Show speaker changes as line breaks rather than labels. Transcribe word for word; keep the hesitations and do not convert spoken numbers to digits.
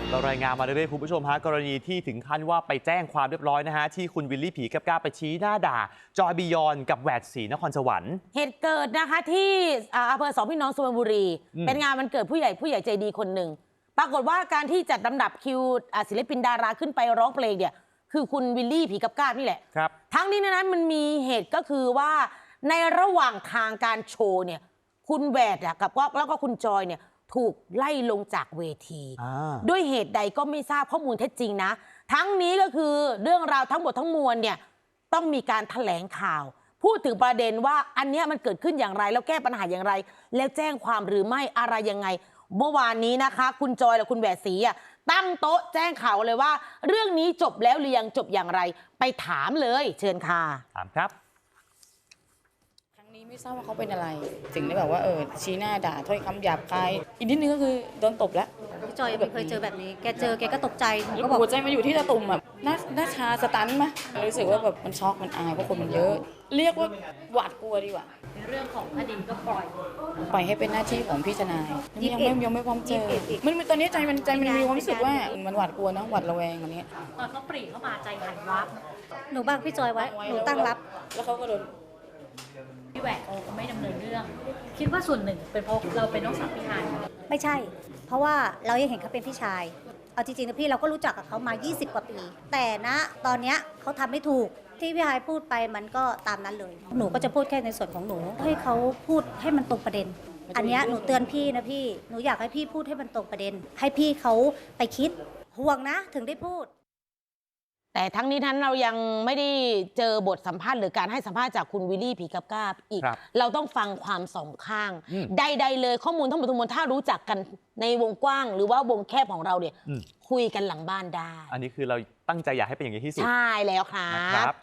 เรารายงานมาเรื่อยๆคุณผู้ชมฮะกรณีที่ถึงขั้นว่าไปแจ้งความเรียบร้อยนะฮะที่คุณวิลลี่ผีกับกล้าไปชี้หน้าด่าจอยบียอนกับแหวดศรีนครสวรรค์
เหตุเกิดนะคะที่อำเภอสองพี่น้องสุพรรณบุรีเป็นงานวันเกิดผู้ใหญ่ผู้ใหญ่ใจดีคนหนึ่งปรากฏว่าการที่จัดลำดับคิวศิลปินดาราขึ้นไปร้องเพลงเนี่ยคือคุณวิลลี่ผีกับกล้านี่แหละ
ครับ
ทั้งนี้นั้นมันมีเหตุก็คือว่าในระหว่างทางการโชว์เนี่ยคุณแหวดกับแล้วก็คุณจอยเนี่ยถูกไล่ลงจากเวทีด้วยเหตุใดก็ไม่ทราบข้อมูลเท็จจริงนะทั้งนี้ก็คือเรื่องราวทั้งหมดทั้งมวลเนี่ยต้องมีการแถลงข่าวพูดถึงประเด็นว่าอันนี้มันเกิดขึ้นอย่างไรแล้วแก้ปัญหาอย่างไรแล้วแจ้งความหรือไม่อะไรยังไงเมื่อวานนี้นะคะคุณจอยและคุณแหวดศรีตั้งโต๊ะแจ้งข่าวเลยว่าเรื่องนี้จบแล้วหรือยังจบอย่างไรไปถามเลยเชิญค่ะ
ถามครับ
ครั้งนี้ไม่ทราบว่าเขาเป็นอะไรถึงได้แบบว่าเออชี้หน้าด่าถ้อยคำหยาบคายอีกนิดนึงก็คือโดนตบแล้ว
พี่จอยไม่เคยเจอแบบนี้แกเจอแกก็ตกใจ
ก็บอกหัวใจมาอยู่ที่ตะตุ่มแบบหน้าหน้าชาสตันไหมรู้สึกว่าแบบมันช็อกมันอายเพราะคนมันเยอะเรียกว่าหวาดกลัวดีกว่า
ในเรื่องของคดีก็ปล่อย
ปล่อยให้เป็นหน้าที่ของพี่ทนายยังไม่ยังไม่พร้อมเจอมันตอนนี้ใจมันใจมันมีความรู้สึกว่ามันหวาดกลัวนะหวาดระแวงอันนี้
ตอนเขาปรีเข้ามาใจหายวับหนูบ้างพี่จอยไว้หนูตั้งรับ
แล้วเขาก็โดน
พี่แหวกเขาไม่ดำเนินเรื่องคิดว่าส่วนหนึ่งเป็นเพราะเราเป็นน้องสาวพี่ชาย
ไม่ใช่เพราะว่าเรายังเห็นเขาเป็นพี่ชายเอาจริงๆนะพี่เราก็รู้จักกับเขามายี่สิบกว่าปีแต่นะตอนเนี้ยเขาทำไม่ถูกที่พี่ชายพูดไปมันก็ตามนั้นเลยหนูก็จะพูดแค่ในส่วนของหนูให้เขาพูดให้มันตรงประเด็นอันนี้หนูเตือนพี่นะพี่หนูอยากให้พี่พูดให้มันตรงประเด็นให้พี่เขาไปคิดห่วงนะถึงได้พูด
แต่ทั้งนี้ทั้งเรายังไม่ได้เจอบทสัมภาษณ์หรือการให้สัมภาษณ์จากคุณวิลลี่ผีกับกล้าอีกเราต้องฟังความสองข้างใดๆเลยข้อมูลทั้งหมดทั้งมวลถ้ารู้จักกันในวงกว้างหรือว่าวงแคบของเราเนี่ยคุยกันหลังบ้านได้
อันนี้คือเราตั้งใจอยากให้เป็นอย่างนี้ที่สุด
ใช่แล้วครับ